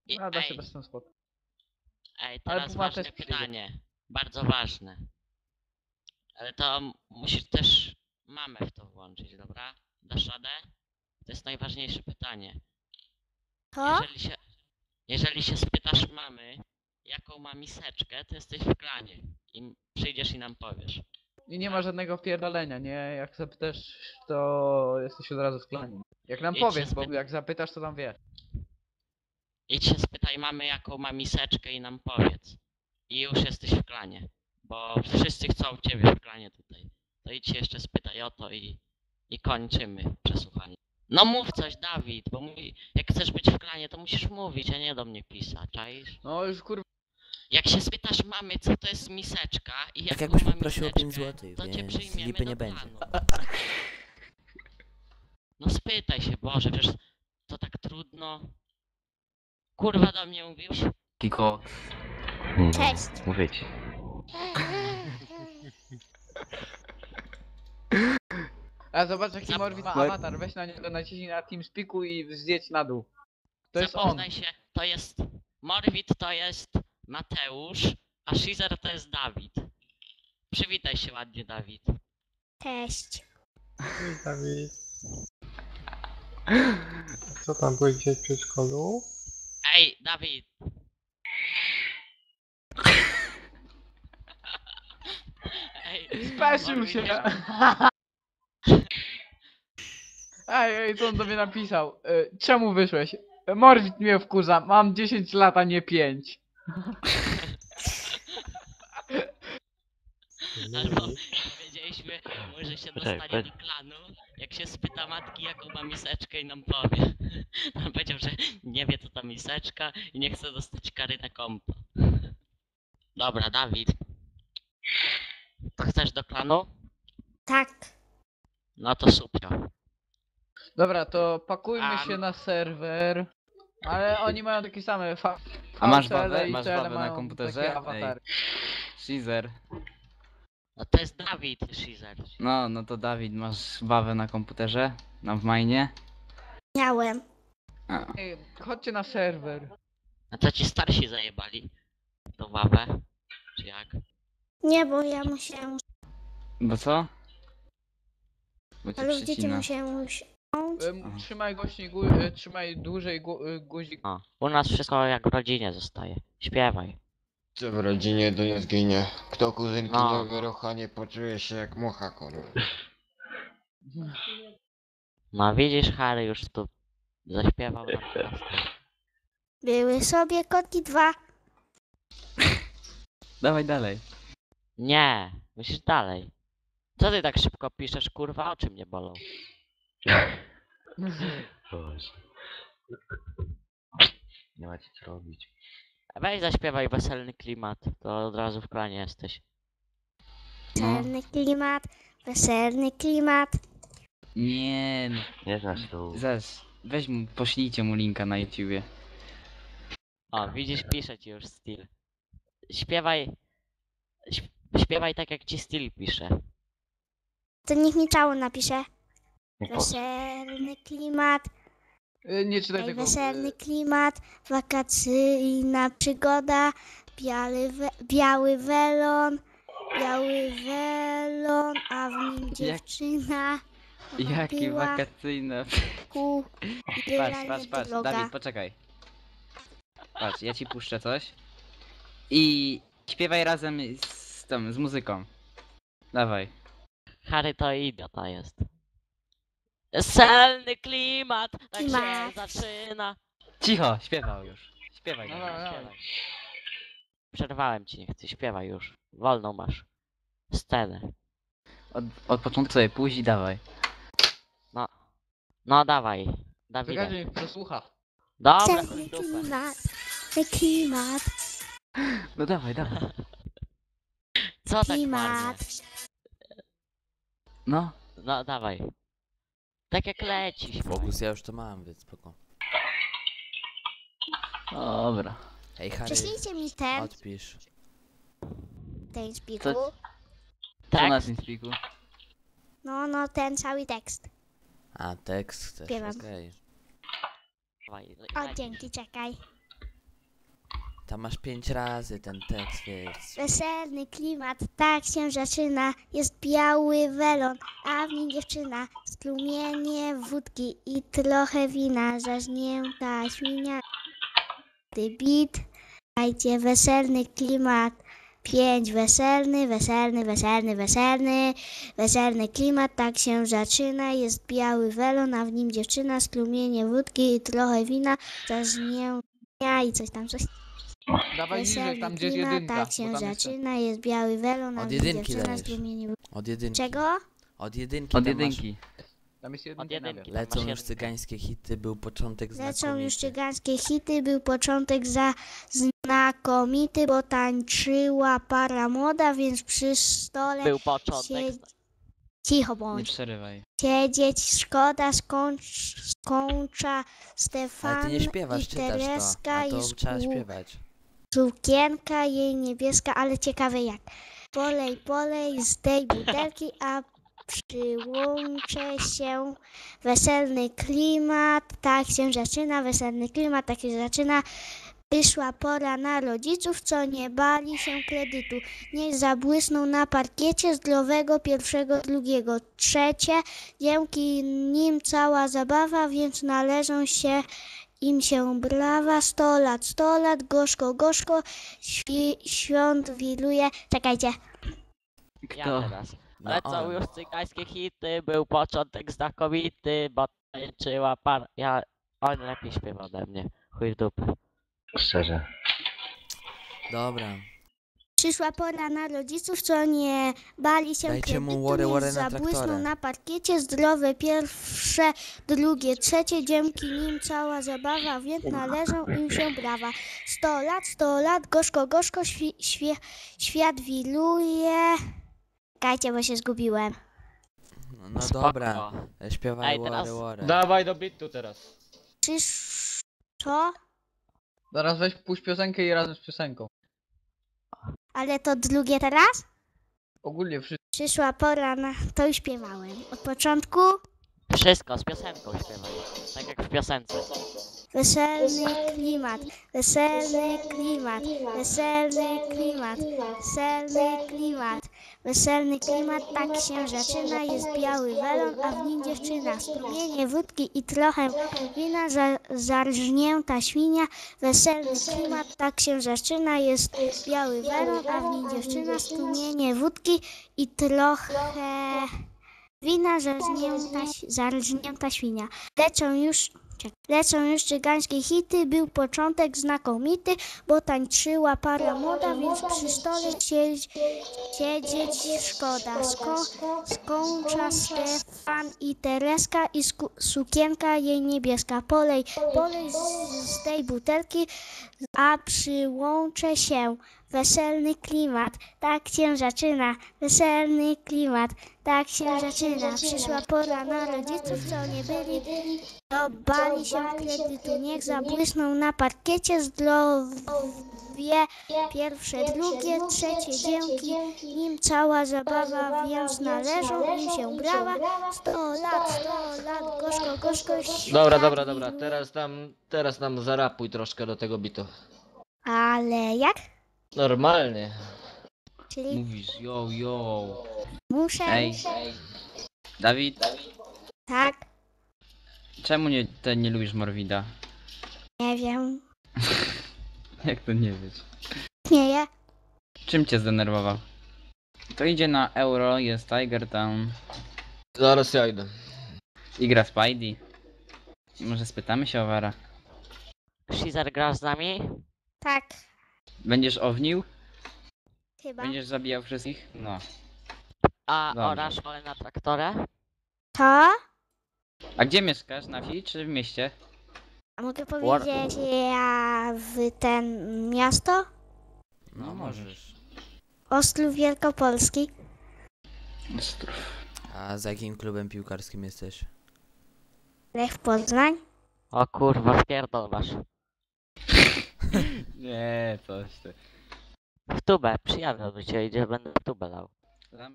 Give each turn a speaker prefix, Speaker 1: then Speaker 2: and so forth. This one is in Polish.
Speaker 1: A da się
Speaker 2: Ej,
Speaker 1: bez ten spot.
Speaker 2: ej,
Speaker 1: Ale
Speaker 2: teraz
Speaker 1: Puma
Speaker 2: ważne
Speaker 1: też przyjdzie.
Speaker 2: pytanie. Bardzo ważne. Ale to musisz też mamę w to włączyć, dobra? Dasz radę? To jest najważniejsze pytanie.
Speaker 3: To?
Speaker 2: Jeżeli się spytasz mamy, jaką ma miseczkę, to jesteś w klanie. I przyjdziesz i nam powiesz.
Speaker 1: I nie ma żadnego wpierdolenia, nie? Jak zapytasz, to jesteś od razu w klanie. Jak nam
Speaker 2: Idź się
Speaker 1: powiesz, bo
Speaker 2: spyta-
Speaker 1: jak zapytasz, to tam wiesz.
Speaker 2: Idź się spytaj mamy, jaką ma miseczkę i nam powiedz. I już jesteś w klanie. Bo wszyscy chcą ciebie w klanie tutaj. To idź się jeszcze spytaj o to i kończymy przesłuchanie. No mów coś, Dawid, bo mówi, jak chcesz być w klanie, to musisz mówić, a nie do mnie pisać, czaisz?
Speaker 1: No już kurwa.
Speaker 2: Jak się spytasz mamy, co to jest miseczka i
Speaker 4: Tak
Speaker 2: jaką
Speaker 4: jakbyś
Speaker 2: ma
Speaker 4: poprosił o
Speaker 2: miseczkę,
Speaker 4: 5 złotych,
Speaker 2: to cię
Speaker 4: więc
Speaker 2: przyjmiemy
Speaker 4: lipy
Speaker 2: do
Speaker 4: nie będzie.
Speaker 2: klanu. No spytaj się, Boże, przecież to tak trudno. Kurwa do mnie mówisz?
Speaker 5: Kiko.
Speaker 3: Cześć.
Speaker 5: Mówię ci.
Speaker 1: A zobacz jaki
Speaker 2: Zap-
Speaker 1: Morwid ma awatar, weź na niego naciśnij na TeamSpeaku i zjedź na dół. To jest on.
Speaker 2: Zapoznaj się, to jest Morwid, to jest Mateusz, a Shizer to jest Dawid. Przywitaj się ładnie, Dawid.
Speaker 3: Cześć.
Speaker 6: Dawid. Co tam byłeś dzisiaj w przedszkolu?
Speaker 2: Ej, Dawid! Ej,
Speaker 1: Speszył
Speaker 2: Morwid
Speaker 1: się!
Speaker 2: jest-
Speaker 1: Ej, co on do mnie napisał? Czemu wyszłeś? Morwid mnie wkurza, mam 10 lat, a nie 5.
Speaker 2: Albo powiedzieliśmy mu, że się dostanie
Speaker 5: Poczekaj,
Speaker 2: do klanu, jak się spyta matki, jaką ma miseczkę i nam powie. On powiedział, że nie wie co ta miseczka i nie chce dostać kary na kompo. Dobra, Dawid. To chcesz do klanu?
Speaker 3: Tak.
Speaker 2: No to super.
Speaker 1: Dobra, to pakujmy
Speaker 2: A,
Speaker 1: się na serwer. Ale oni mają takie same
Speaker 5: A masz
Speaker 1: VCL
Speaker 5: bawę?
Speaker 1: i
Speaker 5: Masz
Speaker 1: TL
Speaker 5: bawę na
Speaker 1: mają
Speaker 5: komputerze?
Speaker 1: takie awatary.
Speaker 5: Shizer.
Speaker 2: No to jest Dawid, Shizer.
Speaker 5: No to Dawid, masz bawę na komputerze? Na w mainie?
Speaker 3: Miałem.
Speaker 5: A.
Speaker 1: Ej, chodźcie na serwer.
Speaker 2: A co ci starsi zajebali? To ławę? Czy jak?
Speaker 3: Nie, bo ja musiałem.
Speaker 5: Bo co? Bo cię
Speaker 3: Ale dzieci
Speaker 5: przycina.
Speaker 3: musiałem usiąść.
Speaker 1: Trzymaj głośniej, trzymaj dłużej guzik.
Speaker 2: O, u nas wszystko jak w rodzinie zostaje. Śpiewaj.
Speaker 7: Co w rodzinie to nie zginie. Kto kuzynki
Speaker 2: No.
Speaker 7: nie wyrucha, nie poczuje się jak mucha, kurwa.
Speaker 2: No widzisz, Harry już tu zaśpiewał nam teraz.
Speaker 3: Były sobie kotki 2.
Speaker 5: Dawaj dalej.
Speaker 2: Nie, musisz dalej. Co ty tak szybko piszesz, kurwa? Oczy mnie bolą.
Speaker 5: Boże. Nie macie co robić.
Speaker 2: Weź zaśpiewaj weselny klimat, to od razu w klanie jesteś.
Speaker 5: No.
Speaker 3: Weselny klimat. Weselny klimat.
Speaker 5: Nie no.
Speaker 8: Nie znasz tu.
Speaker 5: Zaraz, weź mu, poślijcie mu linka na YouTubie.
Speaker 2: O, widzisz, pisze ci już styl. Śpiewaj... Śpiewaj tak jak ci styl pisze.
Speaker 3: To niech mi czało napisze.
Speaker 8: Nie po...
Speaker 3: Weselny klimat.
Speaker 1: Nie czytaj
Speaker 3: Ej,
Speaker 1: tego.
Speaker 3: weselny klimat. Wakacyjna przygoda. Biały welon. Biały welon, a w nim dziewczyna.
Speaker 5: Jakie
Speaker 3: była
Speaker 5: wakacyjne.
Speaker 3: ku i była
Speaker 5: Patrz,
Speaker 3: niedroga.
Speaker 5: Dawid, poczekaj. Patrz, ja ci puszczę coś. I śpiewaj razem z muzyką. Dawaj.
Speaker 2: Harry to idiota jest. Weselny klimat, tak się
Speaker 3: Klimat.
Speaker 2: zaczyna.
Speaker 5: Cicho, śpiewał już. Śpiewaj,
Speaker 1: No,
Speaker 5: Dawid,
Speaker 1: no, no.
Speaker 5: śpiewaj.
Speaker 2: Przerwałem ci, nie chcę, śpiewaj już. Wolną masz. Scenę.
Speaker 5: Od początku sobie pójdź i dawaj.
Speaker 2: No dawaj, Dawida.
Speaker 1: Czekajcie, niech przesłucha.
Speaker 2: Dobra,
Speaker 3: Weselny
Speaker 2: chuj w dupę.
Speaker 3: klimat. Klimat.
Speaker 5: No dawaj.
Speaker 2: Co tak
Speaker 3: Klimat.
Speaker 2: marnie?
Speaker 5: No.
Speaker 2: No dawaj. Tak jak leci, śpiewaj.
Speaker 4: Fokus ja już to mam, więc spoko.
Speaker 5: Dobra.
Speaker 4: Hej Harry,
Speaker 3: Prześlijcie mi ten
Speaker 4: odpisz.
Speaker 3: spiku.
Speaker 5: Co
Speaker 2: Tak?
Speaker 5: na tym spiku?
Speaker 3: No, ten cały tekst.
Speaker 4: A, tekst chcesz,
Speaker 3: Śpiewam.
Speaker 4: okej.
Speaker 2: Dawaj,
Speaker 3: O,
Speaker 2: lecisz.
Speaker 3: dzięki, czekaj.
Speaker 4: Tam masz 5 razy ten tekst, więc...
Speaker 3: Weselny klimat, tak się zaczyna. Jest biały welon, a w nim dziewczyna. Strumienie wódki i trochę wina. Zażnięta świnia. Ty bit, dajcie weselny klimat. 5 weselny, weselny, weselny, weselny. Weselny klimat, tak się zaczyna. Jest biały welon, a w nim dziewczyna. Strumienie wódki i trochę wina. Zażnięta i coś tam, coś.
Speaker 1: Dawaj niżej,
Speaker 3: Weselny
Speaker 1: tam gdzie jest
Speaker 3: klimat,
Speaker 1: jedynka.
Speaker 3: tak
Speaker 1: bo
Speaker 3: się
Speaker 1: tam jest ten-
Speaker 3: zaczyna, jest biały welon, a
Speaker 4: Od
Speaker 3: w nim
Speaker 4: jedynki
Speaker 3: dziewczyna
Speaker 4: dajesz.
Speaker 3: strumienie wódki.
Speaker 4: Od jedynki.
Speaker 3: Czego?
Speaker 4: Od jedynki
Speaker 5: Od
Speaker 4: tam masz-
Speaker 5: jedynki.
Speaker 1: Tam jest
Speaker 2: Od
Speaker 1: jedynka.
Speaker 2: jedynki.
Speaker 4: Lecą
Speaker 2: Masz
Speaker 4: już
Speaker 2: jedynkę.
Speaker 4: cygańskie hity, był początek
Speaker 3: Lecą
Speaker 4: znakomity.
Speaker 3: już cygańskie hity, był początek znakomity, bo tańczyła para młoda, więc przy stole
Speaker 2: Był początek.
Speaker 3: cicho
Speaker 5: Nie
Speaker 3: bądź.
Speaker 5: przerywaj.
Speaker 3: Siedzieć szkoda, skończa
Speaker 4: Ale
Speaker 3: Stefan
Speaker 4: ty nie śpiewasz,
Speaker 3: i
Speaker 4: czytasz
Speaker 3: Tereska
Speaker 4: to, a to
Speaker 3: i
Speaker 4: trzeba śpiewać.
Speaker 3: sukienka jej niebieska, ale ciekawe jak. Polej z tej butelki, a przyłączę się. Weselny klimat, tak się zaczyna, weselny klimat, tak się zaczyna. Przyszła pora na rodziców, co nie bali się kredytu. Niech zabłysną na parkiecie zdrowego pierwszego, drugiego, trzecie. Dzięki nim cała zabawa, więc należą się im się brawa. 100 lat, gorzko, gorzko, świąt wiruje. Czekajcie.
Speaker 2: Ja
Speaker 5: Kto?
Speaker 2: teraz.
Speaker 4: No
Speaker 2: Lecą
Speaker 4: on.
Speaker 2: już cygańskie hity, był początek znakomity, bo tańczyła par... On lepiej śpiewa ode mnie. Chuj w dupę.
Speaker 5: Szczerze.
Speaker 4: Dobra.
Speaker 3: Przyszła pora na rodziców, co nie bali się
Speaker 4: Dajcie mu
Speaker 3: kredytu,
Speaker 4: łory,
Speaker 3: niech
Speaker 4: łory na
Speaker 3: zabłysną
Speaker 4: traktorę.
Speaker 3: na parkiecie zdrowe pierwsze, drugie, trzecie, dzięki nim cała zabawa, więc należą im się brawa. 100 lat, gorzko, gorzko, świat wiruje. Czekajcie, bo się zgubiłem.
Speaker 4: No
Speaker 2: Spoko.
Speaker 4: dobra. Śpiewaj
Speaker 2: Ej, teraz-
Speaker 4: łory, łory.
Speaker 7: Dawaj do bitu teraz.
Speaker 3: Co?
Speaker 1: Zaraz weź puść piosenkę i razem z piosenką.
Speaker 3: Ale to drugie teraz?
Speaker 1: Ogólnie wszystko.
Speaker 3: Przyszła pora na... To już śpiewałem. Od początku
Speaker 2: Wszystko z piosenką śpiewaj. Tak jak w piosence.
Speaker 3: weselny klimat, weselny klimat, weselny klimat, weselny klimat, weselny klimat, tak się zaczyna, jest biały welon, a w nim dziewczyna, strumienie wódki i trochę wina, zarżnięta świnia, weselny klimat, tak się zaczyna, jest biały welon, a w nim dziewczyna, strumienie wódki i trochę wina, zarżnięta świnia. Lecą już cygańskie hity, był początek znakomity, bo tańczyła para młoda, więc przy stole siedzieć szkoda. Skończa Stefan i Tereska i sukienka jej niebieska. Polej z tej butelki, a przyłączę się. Weselny klimat, tak się zaczyna. Weselny klimat, tak się zaczyna. Przyszła pora na rodziców, co nie byli, to bali się kredytu. Niech zabłysną na parkiecie zdrowie pierwsze, drugie, trzecie. Dzięki nim cała zabawa, więc należą im się brawa. 100 lat, gorzko, gorzko.
Speaker 7: Dobra,
Speaker 3: świat
Speaker 7: dobra.
Speaker 3: wiruje.
Speaker 7: Teraz nam zarapuj troszkę do tego bitu.
Speaker 3: Ale jak?
Speaker 7: Normalnie.
Speaker 3: Czyli
Speaker 5: Mówisz, yo.
Speaker 3: muszę,
Speaker 5: Ej. Dawid,
Speaker 3: tak,
Speaker 5: czemu nie lubisz Morwida?
Speaker 3: nie wiem,
Speaker 5: Jak to nie wiesz?
Speaker 3: śmieję.
Speaker 5: Czym cię zdenerwował? To idzie na Euro, jest Tiger Town
Speaker 7: Zaraz ja idę.
Speaker 5: i gra Spidey. Może spytamy się o Wara.
Speaker 2: Shizer, grasz z nami?
Speaker 3: Tak,
Speaker 5: Będziesz ownił?
Speaker 3: chyba.
Speaker 5: Będziesz zabijał wszystkich? No.
Speaker 2: A
Speaker 5: Dobrze.
Speaker 2: orasz pole na traktorę?
Speaker 3: To?
Speaker 5: A gdzie mieszkasz? Na wsi czy w mieście?
Speaker 3: A mogę powiedzieć ja w ten miasto?
Speaker 4: No możesz.
Speaker 3: Ostrów Wielkopolski.
Speaker 4: A za jakim klubem piłkarskim jesteś?
Speaker 3: Lech Poznań.
Speaker 2: O kurwa, wpierdol masz.
Speaker 5: Nie, coś ty.
Speaker 2: W tubę, przyjadę do ciebie, idzie, będę w tubę dał.